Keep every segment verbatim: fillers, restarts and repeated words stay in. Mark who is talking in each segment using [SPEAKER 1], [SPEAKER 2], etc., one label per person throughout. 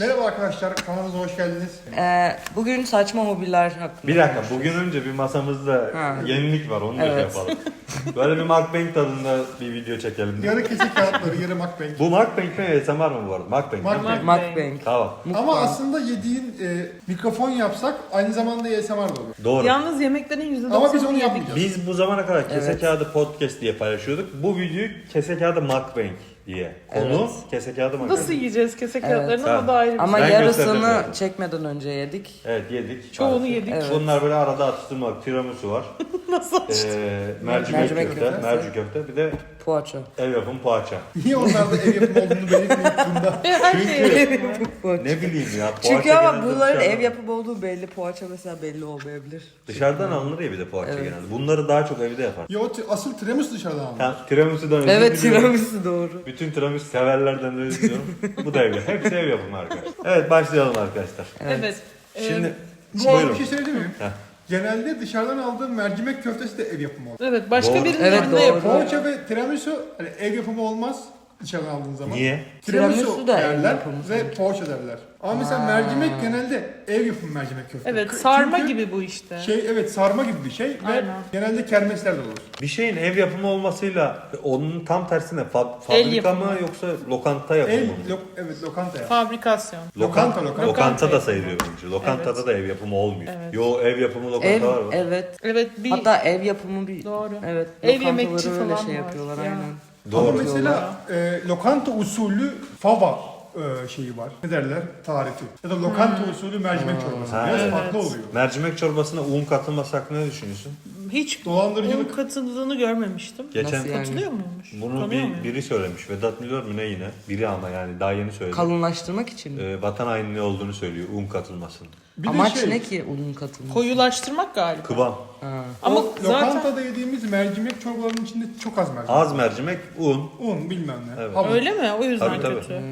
[SPEAKER 1] Merhaba arkadaşlar, kanalımıza hoş geldiniz.
[SPEAKER 2] Ee, bugün saçma hobiler hakkında.
[SPEAKER 3] Bir dakika, bugün önce bir masamızda
[SPEAKER 2] Ha.
[SPEAKER 3] yenilik var, onu da şey
[SPEAKER 2] Evet.
[SPEAKER 3] yapalım. Böyle bir mukbang tadında bir video çekelim.
[SPEAKER 1] Yarı kesik kağıtları, yarı mukbang.
[SPEAKER 3] Bu mukbang mi, A S M R mı bu arada? Mukbang.
[SPEAKER 1] Mukbang.
[SPEAKER 2] Mukbang.
[SPEAKER 3] Tamam,
[SPEAKER 1] Ama aslında yediğin e, mikrofon yapsak aynı zamanda A S M R da olur.
[SPEAKER 3] doğru.
[SPEAKER 4] Yalnız yemeklerin yüzde doksanı
[SPEAKER 1] Ama biz onu yapmayacağız.
[SPEAKER 3] Biz bu zamana kadar kese
[SPEAKER 2] Evet.
[SPEAKER 3] kağıdı podcast diye paylaşıyorduk. Bu videoyu kese kağıdı mukbang diye. Konu
[SPEAKER 2] Evet.
[SPEAKER 3] kese kağıdı mukbang.
[SPEAKER 4] Nasıl yiyeceğiz kese
[SPEAKER 2] Evet.
[SPEAKER 4] kağıtlarını
[SPEAKER 3] Sen-
[SPEAKER 4] ama da ayrı bir
[SPEAKER 2] Ama
[SPEAKER 4] şey.
[SPEAKER 3] Ben gösterdim
[SPEAKER 2] yarısını
[SPEAKER 3] yani.
[SPEAKER 2] çekmeden önce yedik.
[SPEAKER 3] Evet, yedik.
[SPEAKER 4] Çoğunu
[SPEAKER 3] Maalesef.
[SPEAKER 4] yedik.
[SPEAKER 2] Evet.
[SPEAKER 3] Bunlar böyle arada atıştırmalık, tiramisu var.
[SPEAKER 4] Nasıl açtın?
[SPEAKER 3] Ee, mercimek,
[SPEAKER 2] Mercimek
[SPEAKER 3] köfte,
[SPEAKER 2] köftesi.
[SPEAKER 3] merci köfte, bir de
[SPEAKER 2] Poğaça.
[SPEAKER 3] ev yapım poğaça.
[SPEAKER 1] Niye onlarda ev yapımı olduğunu belirtmeyip bunda?
[SPEAKER 4] Her şey.
[SPEAKER 2] Poğaça.
[SPEAKER 3] Ne bileyim ya.
[SPEAKER 2] Çünkü
[SPEAKER 3] poğaça
[SPEAKER 2] ama
[SPEAKER 3] genelde
[SPEAKER 2] bunların
[SPEAKER 3] dışarıdan-
[SPEAKER 2] ev yapımı olduğu belli. Poğaça mesela belli olmayabilir.
[SPEAKER 3] Dışarıdan alınır ya bir de poğaça
[SPEAKER 2] Evet.
[SPEAKER 3] genelde. Bunları daha çok evde yapar.
[SPEAKER 1] Yo, t- asıl tiramisu dışarıdan aldım.
[SPEAKER 3] Ha, tiramisu'dan özür
[SPEAKER 2] Evet,
[SPEAKER 3] diliyorum.
[SPEAKER 2] tiramisu doğru.
[SPEAKER 3] Bütün tiramisu severlerden de özür diliyorum. Bu da evde. Hepsi ev yapımı arkadaşlar. Evet, başlayalım arkadaşlar.
[SPEAKER 4] Evet.
[SPEAKER 3] Şimdi
[SPEAKER 4] Ee,
[SPEAKER 1] Bu arada
[SPEAKER 3] buyurun.
[SPEAKER 1] bir şey söyleyeyim mi?
[SPEAKER 3] Heh.
[SPEAKER 1] Genelde dışarıdan aldığım mercimek köftesi de ev yapımı olur.
[SPEAKER 4] evet başka
[SPEAKER 3] Doğru.
[SPEAKER 4] birinin
[SPEAKER 2] Evet,
[SPEAKER 4] evinde
[SPEAKER 2] doğru.
[SPEAKER 4] yapıyor.
[SPEAKER 1] Poğaça ve tiramisu hani ev yapımı olmaz dışarıdan aldığın zaman.
[SPEAKER 3] Niye?
[SPEAKER 1] Tiramisu,
[SPEAKER 2] Tiramisu da ev
[SPEAKER 1] derler
[SPEAKER 2] yapımı
[SPEAKER 1] ve
[SPEAKER 2] sanki.
[SPEAKER 1] poğaça derler. Ama mesela
[SPEAKER 2] Aa.
[SPEAKER 1] mercimek genelde ev yapımı mercimek köfte.
[SPEAKER 4] Evet
[SPEAKER 1] K-
[SPEAKER 4] sarma
[SPEAKER 1] çünkü
[SPEAKER 4] gibi bu işte.
[SPEAKER 1] Şey evet sarma gibi bir şey ve
[SPEAKER 4] Aynen.
[SPEAKER 1] genelde kermeslerde olur.
[SPEAKER 3] Bir şeyin ev yapımı olmasıyla onun tam tersine fa-
[SPEAKER 4] El
[SPEAKER 3] fabrika
[SPEAKER 4] yapımı.
[SPEAKER 3] mı yoksa lokanta yapımı
[SPEAKER 1] El,
[SPEAKER 3] mı?
[SPEAKER 1] lo, evet lokanta ya.
[SPEAKER 4] Fabrikasyon.
[SPEAKER 1] Lokanta, lokanta.
[SPEAKER 3] Lokanta da sayılıyor bence. Lokantada
[SPEAKER 4] Evet.
[SPEAKER 3] da ev yapımı olmuyor.
[SPEAKER 4] Evet.
[SPEAKER 3] Yo, ev yapımı lokanta
[SPEAKER 2] Ev,
[SPEAKER 3] var mı?
[SPEAKER 2] evet.
[SPEAKER 4] Evet bir
[SPEAKER 2] Hatta ev yapımı bir...
[SPEAKER 4] Doğru.
[SPEAKER 2] Evet.
[SPEAKER 4] Ev
[SPEAKER 2] lokantaları
[SPEAKER 4] yemekçi
[SPEAKER 2] öyle
[SPEAKER 4] falan
[SPEAKER 2] şey
[SPEAKER 4] var.
[SPEAKER 2] yapıyorlar
[SPEAKER 4] Ya.
[SPEAKER 2] aynen.
[SPEAKER 3] Doğru.
[SPEAKER 1] Ama mesela e, lokanta usulü fava e, şeyi var. Ne derler? Tarifi. Ya da lokanta usulü mercimek çorbası.
[SPEAKER 3] Ha,
[SPEAKER 1] Biraz
[SPEAKER 4] evet.
[SPEAKER 1] farklı oluyor.
[SPEAKER 3] Mercimek çorbasına un katılması hakkında ne düşünüyorsun?
[SPEAKER 4] hiç
[SPEAKER 1] Dolandırıcılık.
[SPEAKER 4] onun katıldığını görmemiştim.
[SPEAKER 3] Geçen
[SPEAKER 2] Nasıl yani?
[SPEAKER 4] Katılıyor muymuş?
[SPEAKER 3] bunu
[SPEAKER 4] Tanıyor
[SPEAKER 3] bir,
[SPEAKER 4] muyum?
[SPEAKER 3] biri söylemiş. Vedat Milor mu ne yine? Biri ama yani daha yeni söyledi.
[SPEAKER 2] Kalınlaştırmak için mi?
[SPEAKER 3] Ee, vatan haini ne olduğunu söylüyor un katılmasının.
[SPEAKER 1] Bir de
[SPEAKER 2] Amaç
[SPEAKER 1] şey,
[SPEAKER 2] ne ki unun katılması?
[SPEAKER 4] Koyulaştırmak galiba.
[SPEAKER 3] Kıvam.
[SPEAKER 2] Ha.
[SPEAKER 4] Ama
[SPEAKER 1] o
[SPEAKER 4] zaten
[SPEAKER 1] lokantada yediğimiz mercimek çorbalarının içinde çok az mercimek.
[SPEAKER 3] Az mercimek, un.
[SPEAKER 1] Un bilmem ne.
[SPEAKER 3] Evet.
[SPEAKER 1] Hamur.
[SPEAKER 4] öyle mi? O yüzden
[SPEAKER 3] Tabii, tabii.
[SPEAKER 4] kötü.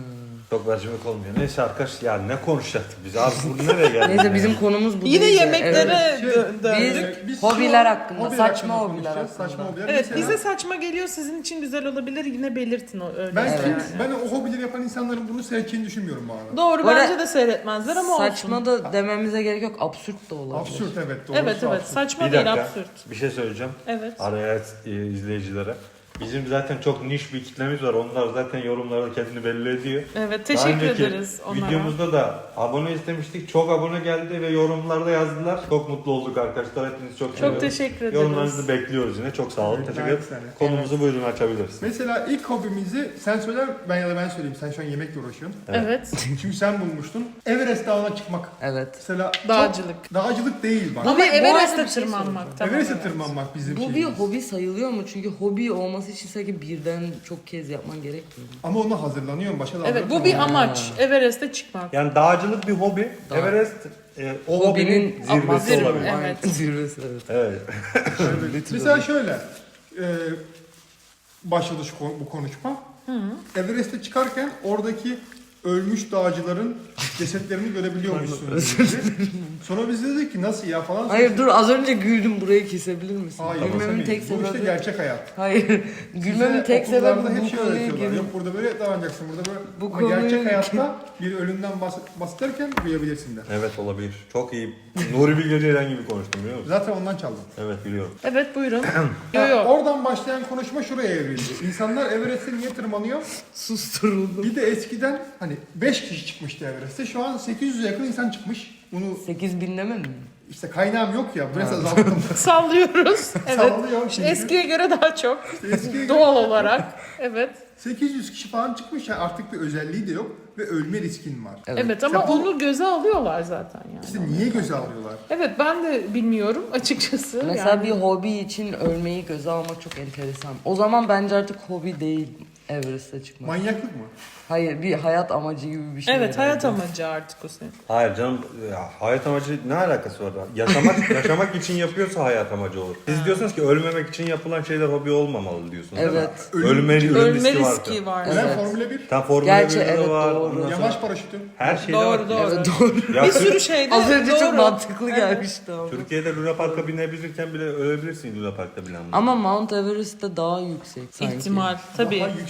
[SPEAKER 3] Çok mercimek olmuyor. Neyse arkadaş ya ne konuşacaktık biz? Abi bu nereye geldi?
[SPEAKER 2] Neyse bizim konumuz bu
[SPEAKER 4] Yine
[SPEAKER 2] değil de,
[SPEAKER 4] yemeklere
[SPEAKER 1] Şey,
[SPEAKER 4] dö- döndük.
[SPEAKER 1] Ee, biz
[SPEAKER 2] Hobiler
[SPEAKER 1] şu an
[SPEAKER 2] hakkında,
[SPEAKER 1] hobiler
[SPEAKER 2] saçma
[SPEAKER 1] hakkında
[SPEAKER 2] hobiler
[SPEAKER 1] konuşacağız,
[SPEAKER 2] hakkında.
[SPEAKER 1] Saçma hobiler.
[SPEAKER 4] Evet
[SPEAKER 1] Mesela
[SPEAKER 4] bize saçma geliyor sizin için güzel olabilir yine belirtin o öyle.
[SPEAKER 1] ben,
[SPEAKER 2] Evet.
[SPEAKER 1] kim- ben o hobileri yapan insanların bunu seveceğini düşünmüyorum bu arada.
[SPEAKER 4] Doğru
[SPEAKER 2] Bu arada
[SPEAKER 4] bence de seyretmezler ama
[SPEAKER 2] Saçma
[SPEAKER 4] olsun.
[SPEAKER 2] da dememize gerek yok. Absürt da olabilir.
[SPEAKER 1] Absürt evet doğru.
[SPEAKER 4] Evet evet
[SPEAKER 1] absürt.
[SPEAKER 4] saçma
[SPEAKER 3] Bir
[SPEAKER 4] değil
[SPEAKER 3] dakika
[SPEAKER 4] absürt.
[SPEAKER 3] bir şey söyleyeceğim.
[SPEAKER 4] Evet.
[SPEAKER 3] Araya e, izleyicilere. Bizim zaten çok niş bir kitlemiz var. Onlar zaten yorumlarda kendini belli ediyor.
[SPEAKER 4] Evet
[SPEAKER 3] Daha
[SPEAKER 4] teşekkür
[SPEAKER 3] önceki
[SPEAKER 4] ederiz onlara.
[SPEAKER 3] videomuzda da abone istemiştik. Çok abone geldi ve yorumlarda yazdılar. Çok mutlu olduk arkadaşlar. Hepinizi çok
[SPEAKER 4] Çok
[SPEAKER 3] seviyoruz.
[SPEAKER 4] teşekkür ederiz.
[SPEAKER 3] Yorumlarınızı bekliyoruz yine. Çok sağ olun.
[SPEAKER 1] Evet,
[SPEAKER 3] Teşekkür
[SPEAKER 1] gayet
[SPEAKER 3] ederim.
[SPEAKER 1] güzel.
[SPEAKER 3] Konumuzu buyurun açabiliriz.
[SPEAKER 1] Mesela ilk hobimizi sen söyler ben ya da ben söyleyeyim. Sen şu an yemekle uğraşıyorsun.
[SPEAKER 4] Evet.
[SPEAKER 1] Çünkü sen bulmuştun. Everest Dağı'na çıkmak.
[SPEAKER 2] Evet.
[SPEAKER 1] Mesela çok-
[SPEAKER 4] Dağcılık.
[SPEAKER 1] dağcılık değil bak.
[SPEAKER 4] Ama
[SPEAKER 2] bu
[SPEAKER 4] Everest'te
[SPEAKER 2] arada bir şey
[SPEAKER 4] tırmanmak. Tamam,
[SPEAKER 1] Everest'e
[SPEAKER 4] evet.
[SPEAKER 1] tırmanmak bizim
[SPEAKER 2] Bu bir
[SPEAKER 1] şeyimiz.
[SPEAKER 2] hobi sayılıyor mu? Çünkü hobi olması için sanki birden çok kez yapman gerekmiyor mu?
[SPEAKER 1] Ama ona hazırlanıyorum. Başka dağlara
[SPEAKER 4] Evet bu bir
[SPEAKER 1] tırmanıyorum.
[SPEAKER 4] amaç. Everest'e çıkmak.
[SPEAKER 3] Yani dağcılık bir hobi.
[SPEAKER 2] Dağ.
[SPEAKER 3] Everest e, o hobinin zirvesi
[SPEAKER 4] zirve,
[SPEAKER 3] olabilir.
[SPEAKER 4] evet.
[SPEAKER 2] Zirvesi evet.
[SPEAKER 3] Evet.
[SPEAKER 1] Evet. Mesela şöyle. E, başladı şu konu- bu konuşma. Everest'e çıkarken oradaki ölmüş dağcıların cesetlerini görebiliyormuşsunuz. dedi. Sonra biz dedik ki nasıl ya falan.
[SPEAKER 2] Hayır dur az önce güldüm burayı kesebilir misin?
[SPEAKER 1] Hayır,
[SPEAKER 2] Gülmemin
[SPEAKER 1] kesemeyiz.
[SPEAKER 2] tek
[SPEAKER 1] Bu işte
[SPEAKER 2] sebebi...
[SPEAKER 1] gerçek hayat.
[SPEAKER 2] Hayır. Gülmemin
[SPEAKER 1] Size
[SPEAKER 2] tek sebebi
[SPEAKER 1] okullarda hep
[SPEAKER 2] bu
[SPEAKER 1] şey
[SPEAKER 2] konuya
[SPEAKER 1] öğretiyorlar.
[SPEAKER 2] girmek.
[SPEAKER 1] Yok burada böyle davranacaksın, burada böyle.
[SPEAKER 2] Bu
[SPEAKER 1] Ama
[SPEAKER 2] konuyu-
[SPEAKER 1] gerçek hayatta bir ölümden bahs- bahsederken duyabilirsin de.
[SPEAKER 3] Evet olabilir. Çok iyi. Nuri Bilge Ceylan gibi konuştum biliyor musun?
[SPEAKER 1] Zaten ondan çaldım.
[SPEAKER 3] Evet biliyorum.
[SPEAKER 4] Evet buyurun. yo
[SPEAKER 1] Ya,
[SPEAKER 4] yo.
[SPEAKER 1] oradan başlayan konuşma şuraya evrildi. İnsanlar Everest'e niye tırmanıyor?
[SPEAKER 2] Susturuldum.
[SPEAKER 1] Bir de eskiden hani beş kişi çıkmıştı Everest'e. Şu an sekiz yüze yakın insan çıkmış. Bunu
[SPEAKER 2] sekiz bin demedin mi?
[SPEAKER 1] işte kaynağım yok ya. Biraz azalttım.
[SPEAKER 4] Sallıyoruz. Evet.
[SPEAKER 1] Sallıyor
[SPEAKER 4] İşte
[SPEAKER 1] çünkü.
[SPEAKER 4] eskiye göre daha çok.
[SPEAKER 1] Eskiye
[SPEAKER 4] Doğal olarak. Evet.
[SPEAKER 1] sekiz yüz kişi falan çıkmış. Yani artık bir özelliği de yok. Ve ölme riskin var.
[SPEAKER 2] Evet.
[SPEAKER 4] Evet ama
[SPEAKER 1] Mesela bu-
[SPEAKER 4] onu göze alıyorlar zaten yani.
[SPEAKER 1] İşte niye göze alıyorlar?
[SPEAKER 4] Evet ben de bilmiyorum açıkçası.
[SPEAKER 2] Mesela
[SPEAKER 4] yani.
[SPEAKER 2] bir hobi için ölmeyi göze almak çok enteresan. O zaman bence artık hobi değil Everest'e çıkmak.
[SPEAKER 1] Manyaklık mı?
[SPEAKER 2] Hayır bir hayat amacı gibi bir şey.
[SPEAKER 4] Evet hayat
[SPEAKER 2] herhalde.
[SPEAKER 4] amacı artık o senin.
[SPEAKER 3] Hayır canım ya, hayat amacı ne alakası var? Yaşamak yaşamak için yapıyorsa hayat amacı olur. Siz diyorsunuz ki ölmemek için yapılan şeyler hobi olmamalı diyorsunuz değil mi?
[SPEAKER 2] Evet.
[SPEAKER 1] Ölüm-
[SPEAKER 3] Ölme, ölüm
[SPEAKER 4] Ölme
[SPEAKER 3] riski,
[SPEAKER 4] riski
[SPEAKER 3] var.
[SPEAKER 4] var.
[SPEAKER 1] Ben
[SPEAKER 2] Evet.
[SPEAKER 1] Formula bir.
[SPEAKER 3] Tam Formula
[SPEAKER 2] Gerçi
[SPEAKER 3] birde de
[SPEAKER 2] evet,
[SPEAKER 3] var.
[SPEAKER 2] doğru.
[SPEAKER 3] ondan sonra
[SPEAKER 1] Yamaç paraşütü.
[SPEAKER 3] her şeyde
[SPEAKER 4] Doğru
[SPEAKER 3] var.
[SPEAKER 4] doğru.
[SPEAKER 2] Evet doğru.
[SPEAKER 3] Ya,
[SPEAKER 4] Bir sürü şeyde
[SPEAKER 2] Az önce
[SPEAKER 4] doğru.
[SPEAKER 2] çok mantıklı
[SPEAKER 4] Evet.
[SPEAKER 2] gelmişti ama.
[SPEAKER 3] Türkiye'de Luna Park'a binebilirken bile ölebilirsin Luna Park'ta bile.
[SPEAKER 2] Ama Mount Everest'te daha yüksek sanki.
[SPEAKER 4] İhtimal tabii.
[SPEAKER 1] Daha yüksek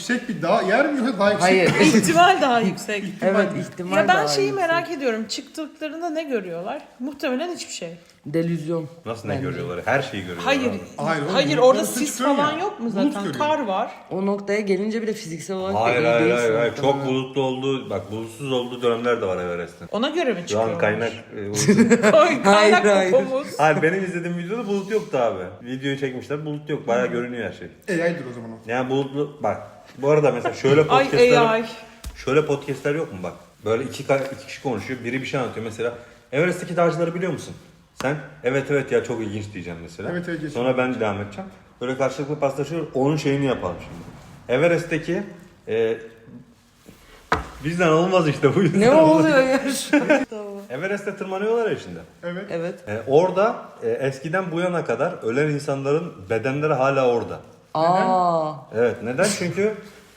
[SPEAKER 1] yüksek bir dağ yer mi yoksa daha yüksek?
[SPEAKER 2] Hayır.
[SPEAKER 4] İhtimal daha yüksek.
[SPEAKER 2] Evet ihtimal
[SPEAKER 4] Ya ben
[SPEAKER 2] daha
[SPEAKER 4] şeyi
[SPEAKER 2] yüksek.
[SPEAKER 4] merak ediyorum. Çıktıklarında ne görüyorlar? Muhtemelen hiçbir şey.
[SPEAKER 2] Delüzyon.
[SPEAKER 3] Nasıl ne
[SPEAKER 2] bence.
[SPEAKER 3] görüyorlar? Her şeyi görüyorlar.
[SPEAKER 4] Hayır.
[SPEAKER 3] abi.
[SPEAKER 1] Hayır,
[SPEAKER 4] Hayır,
[SPEAKER 1] oğlum,
[SPEAKER 4] orada
[SPEAKER 1] bulutlar
[SPEAKER 4] sis
[SPEAKER 1] çıkıyor
[SPEAKER 4] falan
[SPEAKER 1] ya.
[SPEAKER 4] yok mu
[SPEAKER 1] Bulut
[SPEAKER 4] zaten?
[SPEAKER 1] görüyor.
[SPEAKER 4] Kar var.
[SPEAKER 2] O noktaya gelince bile fiziksel olarak
[SPEAKER 3] Hayır
[SPEAKER 2] da iyi
[SPEAKER 3] hayır hayır.
[SPEAKER 2] değilsin
[SPEAKER 3] hayır. Çok
[SPEAKER 2] muhtemelen.
[SPEAKER 3] bulutlu olduğu, bak bulutsuz olduğu dönemler de var Everest'in.
[SPEAKER 4] Ona göre mi
[SPEAKER 3] Şu
[SPEAKER 4] çıkıyorlar?
[SPEAKER 3] an kaynak... e, uydu-
[SPEAKER 4] Kay-
[SPEAKER 2] Hayır,
[SPEAKER 4] kaynak
[SPEAKER 2] hayır.
[SPEAKER 4] popomuz.
[SPEAKER 3] Hayır benim izlediğim videoda bulut yoktu abi. Videoyu çekmişler bulut yok. Bayağı görünüyor her şey.
[SPEAKER 1] A I'dir o zaman o.
[SPEAKER 3] Yani bulutlu... Bak bu arada mesela şöyle
[SPEAKER 4] Ay
[SPEAKER 3] podcastler...
[SPEAKER 4] A I.
[SPEAKER 3] Şöyle podcastler yok mu bak? Böyle iki, ka- iki kişi konuşuyor. Biri bir şey anlatıyor. Mesela Everest'teki dağcıları biliyor musun? Sen evet evet ya çok ilginç diyeceğim mesela.
[SPEAKER 1] Evet, evet, geçelim.
[SPEAKER 3] Sonra ben devam edeceğim. Böyle karşılıklı paslaşıyoruz. Onun şeyini yapalım şimdi. Everest'teki e, bizden olmaz işte bu yüzden.
[SPEAKER 2] Ne oluyor ya şu an?
[SPEAKER 3] Everest'te tırmanıyorlar ya şimdi.
[SPEAKER 1] Evet.
[SPEAKER 2] Evet.
[SPEAKER 3] E, orada e, eskiden bu yana kadar ölen insanların bedenleri hala orada.
[SPEAKER 2] Aa.
[SPEAKER 3] Evet neden? Çünkü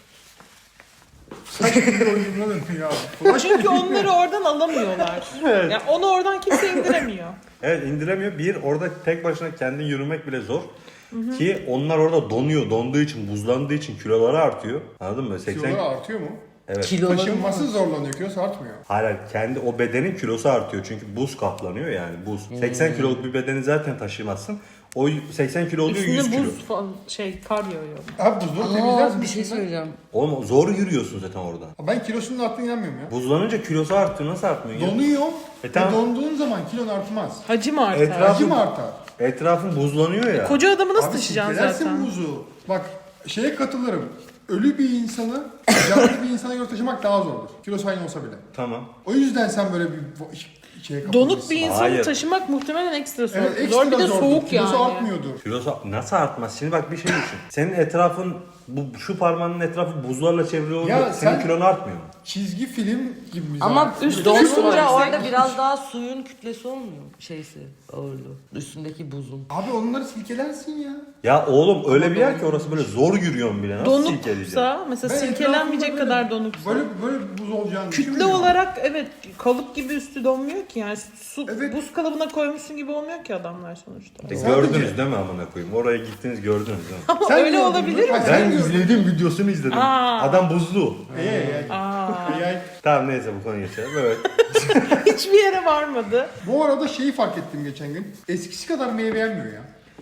[SPEAKER 1] Saç gibi oyununa dönüyor abi.
[SPEAKER 4] Çünkü onları oradan alamıyorlar. Yani onu oradan kimse indiremiyor.
[SPEAKER 3] evet indiremiyor. Bir orada tek başına kendin yürümek bile zor. Ki onlar orada donuyor. Donduğu için, buzlandığı için kiloları artıyor. Anladın mı? seksen
[SPEAKER 1] Kiloları artıyor mu?
[SPEAKER 3] Evet.
[SPEAKER 2] Kiloları mı?
[SPEAKER 1] Taşınması zorlanıyor, kilosu artmıyor.
[SPEAKER 3] Hayır, kendi o bedenin kilosu artıyor çünkü buz kaplanıyor yani buz. seksen kiloluk bir bedeni zaten taşımazsın. O seksen kilo oluyor yüz
[SPEAKER 4] Üstüne
[SPEAKER 3] kilo.
[SPEAKER 4] buz falan şey kar yağıyor.
[SPEAKER 1] Abi buzları
[SPEAKER 2] Aa,
[SPEAKER 1] temizlersin.
[SPEAKER 2] bir şey
[SPEAKER 1] üstünden.
[SPEAKER 2] söyleyeceğim.
[SPEAKER 3] Oğlum zor yürüyorsun zaten orada.
[SPEAKER 1] Ben kilosunun arttığına inanmıyorum ya.
[SPEAKER 3] Buzlanınca kilosu artıyor. Nasıl artmıyor? ya?
[SPEAKER 1] Donuyor
[SPEAKER 3] E
[SPEAKER 1] ve
[SPEAKER 3] tamam.
[SPEAKER 1] donduğun zaman kilon artmaz.
[SPEAKER 4] Hacı mı artar?
[SPEAKER 3] Etraf-
[SPEAKER 1] Acı mı artar?
[SPEAKER 3] Etrafın buzlanıyor ya.
[SPEAKER 4] Koca adamı nasıl
[SPEAKER 1] Abi
[SPEAKER 4] taşıyacaksın
[SPEAKER 1] silkelersin
[SPEAKER 4] zaten?
[SPEAKER 1] buzu. Bak şeye katılırım. Ölü bir insanı canlı bir insana göre taşımak daha zordur. Kilosu aynı olsa bile.
[SPEAKER 3] Tamam.
[SPEAKER 1] O yüzden sen böyle bir şeye kapılmışsın.
[SPEAKER 4] Donuk bir insanı
[SPEAKER 3] Hayır.
[SPEAKER 4] taşımak muhtemelen ekstra zor.
[SPEAKER 1] Evet, ekstra
[SPEAKER 4] zor bir de
[SPEAKER 1] zordur.
[SPEAKER 4] soğuk
[SPEAKER 1] Kilosu
[SPEAKER 4] yani.
[SPEAKER 1] artmıyordur.
[SPEAKER 3] Kilosu nasıl artmaz? Şimdi bak bir şey düşün. Senin etrafın bu şu parmağının etrafı buzlarla çevrili olduğu
[SPEAKER 1] Ya
[SPEAKER 3] senin
[SPEAKER 1] sen-
[SPEAKER 3] kilon artmıyor mu?
[SPEAKER 1] Çizgi film gibi mi?
[SPEAKER 2] Ama
[SPEAKER 1] zaten?
[SPEAKER 4] üstüne
[SPEAKER 2] donunca
[SPEAKER 4] su var.
[SPEAKER 2] orada biraz daha suyun kütlesi olmuyor mu? Şeysi, ağırlığı. Üstündeki buzun.
[SPEAKER 1] Abi onları silkelersin ya.
[SPEAKER 3] Ya oğlum öyle bir yer ki orası böyle zor yürüyorsun bile. Nasıl silkeleyeceksin?
[SPEAKER 4] Donuksa mesela
[SPEAKER 1] Ben
[SPEAKER 4] silkelenmeyecek
[SPEAKER 1] etrafımda
[SPEAKER 4] kadar
[SPEAKER 1] böyle-
[SPEAKER 4] donuksa.
[SPEAKER 1] Böyle böyle buz olacağını
[SPEAKER 4] Kütle
[SPEAKER 1] düşünmüyorum.
[SPEAKER 4] olarak evet kalıp gibi üstü donmuyor ki yani su
[SPEAKER 1] Evet.
[SPEAKER 4] buz kalıbına koymuşsun gibi olmuyor ki adamlar sonuçta.
[SPEAKER 3] E,
[SPEAKER 1] Sadece-
[SPEAKER 3] Gördünüz değil mi amına koyayım? Oraya gittiniz gördünüz değil mi?
[SPEAKER 4] Ama
[SPEAKER 1] Sen
[SPEAKER 4] öyle
[SPEAKER 1] gördün mü?
[SPEAKER 4] olabilir mi?
[SPEAKER 1] Hayır, sen
[SPEAKER 3] Ben
[SPEAKER 1] gördün.
[SPEAKER 3] izledim videosunu izledim.
[SPEAKER 4] Aa.
[SPEAKER 3] Adam buzlu.
[SPEAKER 1] Ey ey ey.
[SPEAKER 4] Aa,
[SPEAKER 1] Ey, ey.
[SPEAKER 3] Tamam neyse bu konuya geçelim. Evet.
[SPEAKER 4] hiçbir yere varmadı.
[SPEAKER 1] Bu arada şeyi fark ettim geçen gün. Eskisi kadar meyve yenmiyor ya.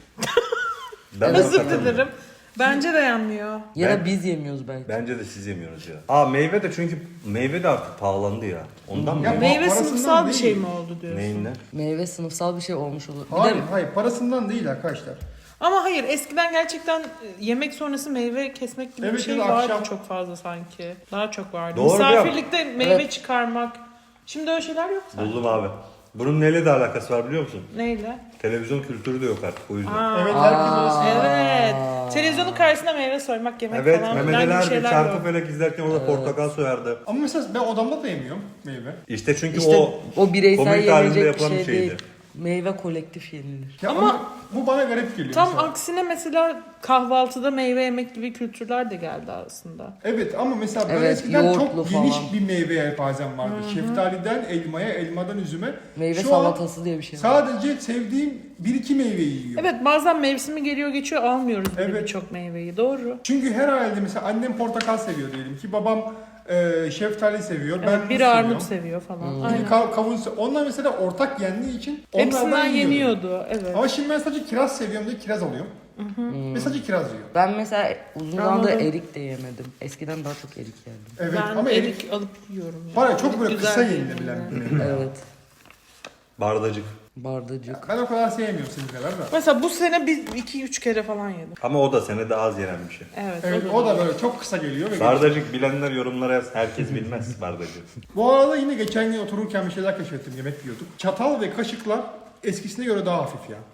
[SPEAKER 3] Ben
[SPEAKER 4] Özür
[SPEAKER 3] katılıyorum.
[SPEAKER 4] dilerim. Bence de yanmıyor.
[SPEAKER 2] Ya
[SPEAKER 3] Ben-
[SPEAKER 2] da biz yemiyoruz belki.
[SPEAKER 3] Bence de siz yemiyoruz ya. Aa meyve de çünkü meyve de artık pahalandı ya. Ondan mı?
[SPEAKER 1] Ya
[SPEAKER 3] ya?
[SPEAKER 4] Meyve
[SPEAKER 1] parasından
[SPEAKER 4] sınıfsal bir
[SPEAKER 1] değil.
[SPEAKER 4] şey mi oldu diyorsun?
[SPEAKER 3] Neyinden?
[SPEAKER 2] Meyve sınıfsal bir şey olmuş olur. Bir
[SPEAKER 1] Hayır
[SPEAKER 2] de
[SPEAKER 1] hayır parasından değil arkadaşlar.
[SPEAKER 4] Ama hayır eskiden gerçekten e, yemek sonrası meyve kesmek gibi
[SPEAKER 1] Evet,
[SPEAKER 4] bir şey
[SPEAKER 1] ya da
[SPEAKER 4] vardı
[SPEAKER 1] akşam-
[SPEAKER 4] çok fazla sanki. Daha çok vardı.
[SPEAKER 3] Doğru ya.
[SPEAKER 4] Misafirlikte meyve
[SPEAKER 2] Evet.
[SPEAKER 4] çıkarmak. Şimdi öyle şeyler yok sanki.
[SPEAKER 3] Buldum abi. Bunun neyle de alakası var biliyor musun?
[SPEAKER 4] Neyle?
[SPEAKER 3] Televizyon kültürü de yok artık o yüzden.
[SPEAKER 4] Aa,
[SPEAKER 1] Evet herkes arası.
[SPEAKER 4] evet. Televizyonun karşısında meyve soymak, yemek
[SPEAKER 3] Evet,
[SPEAKER 4] falan
[SPEAKER 3] Mehmet
[SPEAKER 4] filan
[SPEAKER 3] Ali
[SPEAKER 4] gibi
[SPEAKER 3] Erbil
[SPEAKER 4] şeyler
[SPEAKER 3] çarkı
[SPEAKER 4] yok.
[SPEAKER 3] felek izlerken orada portakal soyardı.
[SPEAKER 1] Ama mesela ben odamda da yemiyorum meyve.
[SPEAKER 3] İşte çünkü
[SPEAKER 2] işte
[SPEAKER 3] o
[SPEAKER 2] o, bireysel
[SPEAKER 3] komünite halinde
[SPEAKER 2] yenilecek bir
[SPEAKER 3] yapılan
[SPEAKER 2] şey
[SPEAKER 3] bir şeydi.
[SPEAKER 2] değil. Meyve kolektif yenilir.
[SPEAKER 1] Ya
[SPEAKER 4] Ama-
[SPEAKER 1] ama, bu bana garip geliyor.
[SPEAKER 4] Tam
[SPEAKER 1] mesela.
[SPEAKER 4] aksine mesela kahvaltıda meyve yemek gibi kültürler de geldi aslında.
[SPEAKER 1] Evet ama mesela ben
[SPEAKER 2] Evet,
[SPEAKER 1] eskiden
[SPEAKER 2] yoğurtlu
[SPEAKER 1] çok geniş
[SPEAKER 2] falan.
[SPEAKER 1] bir meyve yelpazem vardı. Şeftaliden elmaya, elmadan üzüme.
[SPEAKER 2] Meyve
[SPEAKER 1] Şu
[SPEAKER 2] salatası diye bir şey
[SPEAKER 1] an
[SPEAKER 2] var.
[SPEAKER 1] sadece sevdiğim bir iki meyveyi yiyorum.
[SPEAKER 4] Evet bazen mevsimi geliyor geçiyor almıyoruz böyle
[SPEAKER 1] Evet.
[SPEAKER 4] birçok meyveyi doğru.
[SPEAKER 1] Çünkü her ailede mesela annem portakal seviyor diyelim ki babam e, şeftali seviyor. Ben
[SPEAKER 4] Evet,
[SPEAKER 1] muz
[SPEAKER 4] biri
[SPEAKER 1] seviyorum.
[SPEAKER 4] armut seviyor falan.
[SPEAKER 1] Biri
[SPEAKER 4] Aynen.
[SPEAKER 1] kav- kavun seviyor. Onlar mesela ortak yendiği için onlardan
[SPEAKER 4] Hepsinden
[SPEAKER 1] yiyordum.
[SPEAKER 4] yeniyordu evet.
[SPEAKER 1] Ama şimdi ben sadece kiraz seviyorum diye kiraz alıyorum. Ve sadece kiraz yiyorum.
[SPEAKER 2] Ben mesela uzun zamandır
[SPEAKER 4] Anladım.
[SPEAKER 2] erik de yemedim. Eskiden daha çok erik yerdim.
[SPEAKER 1] Evet
[SPEAKER 4] ben
[SPEAKER 1] ama
[SPEAKER 4] erik,
[SPEAKER 1] erik
[SPEAKER 4] alıp yiyorum ya.
[SPEAKER 1] var ya çok
[SPEAKER 4] Erik
[SPEAKER 1] böyle
[SPEAKER 4] güzel
[SPEAKER 1] kısa
[SPEAKER 4] bir
[SPEAKER 1] yenilebilen
[SPEAKER 4] meyve.
[SPEAKER 1] bir meyve.
[SPEAKER 2] Evet.
[SPEAKER 3] Bardacık.
[SPEAKER 2] Bardacık.
[SPEAKER 1] Ben o kadar sevmiyorum senin kadar da.
[SPEAKER 4] Mesela bu sene biz iki üç kere falan yedim.
[SPEAKER 3] Ama o da senede az yenen bir şey.
[SPEAKER 4] Evet,
[SPEAKER 1] Evet o da böyle çok kısa geliyor. Ve
[SPEAKER 3] Bardacık bilenler yorumlara yaz. Herkes bilmez bardacık.
[SPEAKER 1] Bu arada yine geçen gün otururken bir şeyler keşfettim. Yemek yiyorduk. Çatal ve kaşıklar eskisine göre daha hafif ya.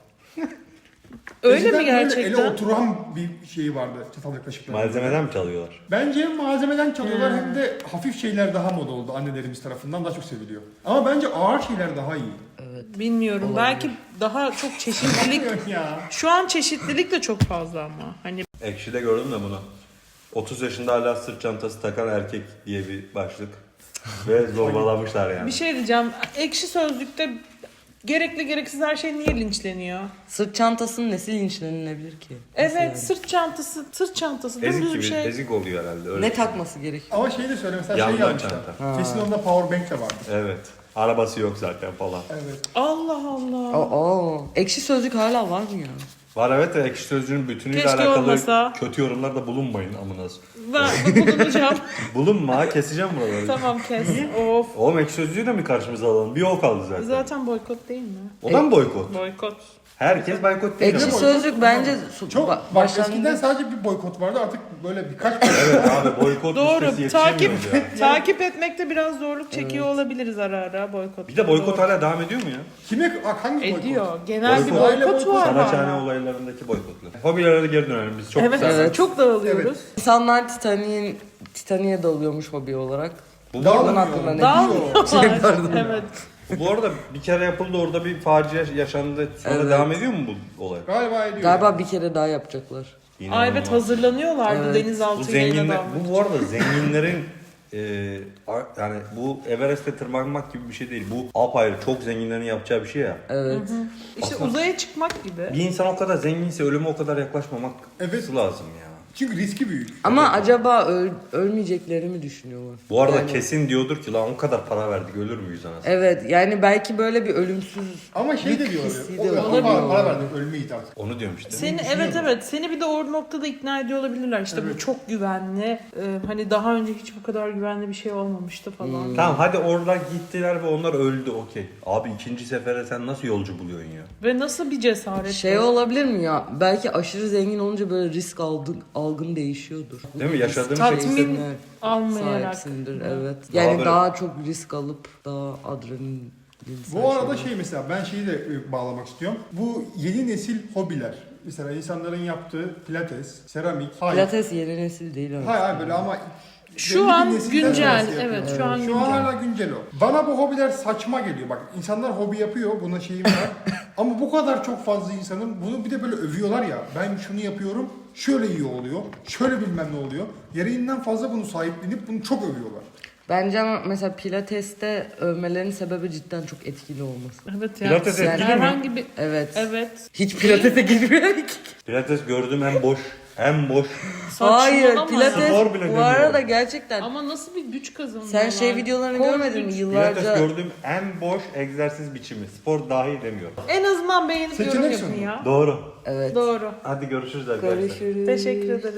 [SPEAKER 4] Öyle
[SPEAKER 1] Eskiden
[SPEAKER 4] mi
[SPEAKER 1] böyle ele
[SPEAKER 4] gerçekten?
[SPEAKER 1] oturan bir şey vardı çatal ve kaşıklar.
[SPEAKER 3] Malzemeden mi çalıyorlar?
[SPEAKER 1] Bence hem malzemeden çalıyorlar
[SPEAKER 4] Hmm.
[SPEAKER 1] hem de hafif şeyler daha moda oldu annelerimiz tarafından daha çok seviliyor. Ama bence ağır şeyler daha iyi.
[SPEAKER 4] Bilmiyorum.
[SPEAKER 2] Olabilir.
[SPEAKER 4] Belki daha çok çeşitlilik.
[SPEAKER 1] ya.
[SPEAKER 4] Şu an çeşitlilik de çok fazla ama. Hani
[SPEAKER 3] Ekşi'de gördüm de bunu. otuz yaşında hala sırt çantası takan erkek diye bir başlık. Ve zorbalamışlar yani.
[SPEAKER 4] bir şey diyeceğim. Ekşi sözlükte Gerekli gereksiz her şey niye linçleniyor?
[SPEAKER 2] Sırt çantasının nesi linçlenilebilir ki? Nasıl
[SPEAKER 4] Evet
[SPEAKER 2] yani?
[SPEAKER 4] sırt çantası, sırt çantası
[SPEAKER 3] Ezik
[SPEAKER 4] dümdüz
[SPEAKER 3] gibi,
[SPEAKER 4] bir şey.
[SPEAKER 3] ezik oluyor herhalde. Öyle.
[SPEAKER 2] Ne takması gerekiyor?
[SPEAKER 1] Ama şeyi de söyle mesela
[SPEAKER 3] Yandan
[SPEAKER 1] şey yazmışlar.
[SPEAKER 3] çanta.
[SPEAKER 1] Kesin onda power bank de vardı.
[SPEAKER 3] Evet. Arabası yok zaten falan.
[SPEAKER 1] Evet.
[SPEAKER 4] Allah Allah.
[SPEAKER 2] Aa, ekşi sözlük hala var mı ya?
[SPEAKER 3] Var evet de ekşi sözlüğün bütünüyle
[SPEAKER 4] Keşke
[SPEAKER 3] alakalı
[SPEAKER 4] olmasa.
[SPEAKER 3] kötü yorumlarda bulunmayın amınız.
[SPEAKER 4] Ben bulunacağım.
[SPEAKER 3] Bulunma ha, keseceğim buraları.
[SPEAKER 4] Tamam kes. Of.
[SPEAKER 3] Oğlum ekşi sözlüğü de mi karşımıza alalım? Bir o kaldı zaten.
[SPEAKER 4] Zaten boykot değil mi?
[SPEAKER 3] O da mı boykot?
[SPEAKER 4] Boykot.
[SPEAKER 3] Herkes boykot değil
[SPEAKER 2] Ekşi
[SPEAKER 3] ama.
[SPEAKER 2] sözlük bence su-
[SPEAKER 1] Çok
[SPEAKER 2] ba-
[SPEAKER 1] bak
[SPEAKER 2] başlangıçta-
[SPEAKER 1] eskiden sadece bir boykot vardı artık böyle birkaç
[SPEAKER 3] Evet abi boykot
[SPEAKER 4] Doğru.
[SPEAKER 3] listesi
[SPEAKER 4] Takip
[SPEAKER 3] yetişemiyoruz ya.
[SPEAKER 4] takip etmekte biraz zorluk çekiyor olabiliriz ara ara boykot.
[SPEAKER 3] Bir de boykot
[SPEAKER 4] Doğru.
[SPEAKER 3] hala devam ediyor mu ya?
[SPEAKER 1] kime hangi boykot?
[SPEAKER 4] ediyor. Genel bir
[SPEAKER 3] Boykot.
[SPEAKER 4] boykot var.
[SPEAKER 3] Saraçhane
[SPEAKER 4] hala.
[SPEAKER 3] olaylarındaki boykotlar. Hobilere de geri dönelim biz çok
[SPEAKER 4] Evet,
[SPEAKER 3] güzel.
[SPEAKER 2] Evet.
[SPEAKER 4] çok dağılıyoruz.
[SPEAKER 2] İnsanlar Titanic'in Titanic'e dalıyormuş hobi olarak.
[SPEAKER 3] Bu,
[SPEAKER 1] Dağılmıyor.
[SPEAKER 2] Bunun hakkında ne
[SPEAKER 4] Dağılıyorlar.
[SPEAKER 2] Şey,
[SPEAKER 4] evet.
[SPEAKER 3] bu arada bir kere yapıldı orada bir facia yaşandı. Sonra
[SPEAKER 2] Evet.
[SPEAKER 3] devam ediyor mu bu olay?
[SPEAKER 1] Galiba ediyor.
[SPEAKER 2] Galiba bir kere daha yapacaklar.
[SPEAKER 4] Ay evet hazırlanıyorlardı
[SPEAKER 2] Evet.
[SPEAKER 3] Bu
[SPEAKER 4] denizaltıyla
[SPEAKER 3] zenginler,
[SPEAKER 4] dalmak
[SPEAKER 3] bu bu arada zenginlerin e, a- yani bu Everest'e tırmanmak gibi bir şey değil. Bu apayrı çok zenginlerin yapacağı bir şey ya.
[SPEAKER 2] Evet.
[SPEAKER 4] İşte uzaya çıkmak gibi.
[SPEAKER 3] Bir insan o kadar zenginse ölüme o kadar yaklaşmamak
[SPEAKER 1] Evet.
[SPEAKER 3] lazım ya.
[SPEAKER 1] Çünkü riski büyük.
[SPEAKER 2] Ama acaba öl- ölmeyecekleri mi düşünüyorlar?
[SPEAKER 3] Bu arada
[SPEAKER 2] Yani-
[SPEAKER 3] kesin diyordur ki lan o kadar para verdik ölür müyüz anasını?
[SPEAKER 2] Evet yani belki böyle bir ölümsüz
[SPEAKER 1] Ama şey de diyor.
[SPEAKER 2] hissi
[SPEAKER 1] O,
[SPEAKER 2] de
[SPEAKER 1] o,
[SPEAKER 2] olabiliyor.
[SPEAKER 1] para, para verdik ölmeyiz artık.
[SPEAKER 3] Onu diyorum işte.
[SPEAKER 4] Seni
[SPEAKER 1] düşünüyorum.
[SPEAKER 4] evet evet seni bir de o noktada ikna ediyor olabilirler. İşte bu çok güvenli. e, hani daha önce hiç bu kadar güvenli bir şey olmamıştı falan.
[SPEAKER 3] Tamam hadi oradan gittiler ve onlar öldü okey. Abi ikinci sefere sen nasıl yolcu buluyorsun ya?
[SPEAKER 4] Ve nasıl bir cesaret.
[SPEAKER 2] şey
[SPEAKER 4] bu?
[SPEAKER 2] olabilir mi ya? Belki aşırı zengin olunca böyle risk algın, algın değişiyordur.
[SPEAKER 3] Değil mi? Yaşadığın
[SPEAKER 4] Tatmin
[SPEAKER 3] şey
[SPEAKER 4] almayarak.
[SPEAKER 2] sahipsindir
[SPEAKER 4] Evet.
[SPEAKER 2] evet.
[SPEAKER 3] Daha
[SPEAKER 2] Yani
[SPEAKER 3] böyle-
[SPEAKER 2] daha çok risk alıp daha adrenalin.
[SPEAKER 1] Bu arada şey mesela ben şeyi de e, bağlamak istiyorum. Bu yeni nesil hobiler. Mesela insanların yaptığı pilates, seramik. Hayır.
[SPEAKER 2] Pilates yeni nesil değil evet.
[SPEAKER 1] Hayır hayır böyle ama
[SPEAKER 4] Şu
[SPEAKER 1] belli bir
[SPEAKER 4] an
[SPEAKER 1] nesilden
[SPEAKER 4] güncel,
[SPEAKER 1] sonrası yapıyor.
[SPEAKER 4] evet, şu an
[SPEAKER 1] Şu
[SPEAKER 4] güncel.
[SPEAKER 1] an hala güncel o. Bana bu hobiler saçma geliyor. Bak insanlar hobi yapıyor, buna şeyim var. Ama bu kadar çok fazla insanın bunu bir de böyle övüyorlar ya. Ben şunu yapıyorum, şöyle iyi oluyor, şöyle bilmem ne oluyor. Gereğinden fazla bunu sahiplenip bunu çok övüyorlar.
[SPEAKER 2] Bence ama mesela pilateste övmelerin sebebi cidden çok etkili olması.
[SPEAKER 4] Evet ya.
[SPEAKER 3] Pilates
[SPEAKER 2] Yani-
[SPEAKER 3] etkili mi?
[SPEAKER 4] Herhangi bir
[SPEAKER 2] Evet.
[SPEAKER 4] evet.
[SPEAKER 2] Hiç pilatese girmiyor ki.
[SPEAKER 3] Pilates gördüğüm en boş, en boş.
[SPEAKER 2] Hayır
[SPEAKER 4] Saçmalama.
[SPEAKER 2] pilates
[SPEAKER 3] Spor bile
[SPEAKER 2] bu
[SPEAKER 3] demiyorum.
[SPEAKER 2] arada gerçekten.
[SPEAKER 4] Ama nasıl bir güç kazanıyorlar?
[SPEAKER 2] Sen şey videolarını
[SPEAKER 4] Kol
[SPEAKER 2] görmedin mi?
[SPEAKER 4] güç.
[SPEAKER 2] Yıllarca
[SPEAKER 3] Pilates gördüğüm en boş egzersiz biçimi. Spor dahi demiyorum.
[SPEAKER 4] En azından beğenip yorum
[SPEAKER 1] Seçenek
[SPEAKER 4] yapın
[SPEAKER 1] sunu.
[SPEAKER 4] ya.
[SPEAKER 3] Doğru.
[SPEAKER 2] evet.
[SPEAKER 4] Doğru.
[SPEAKER 3] Hadi görüşürüz arkadaşlar.
[SPEAKER 2] Görüşürüz.
[SPEAKER 4] Teşekkür ederim.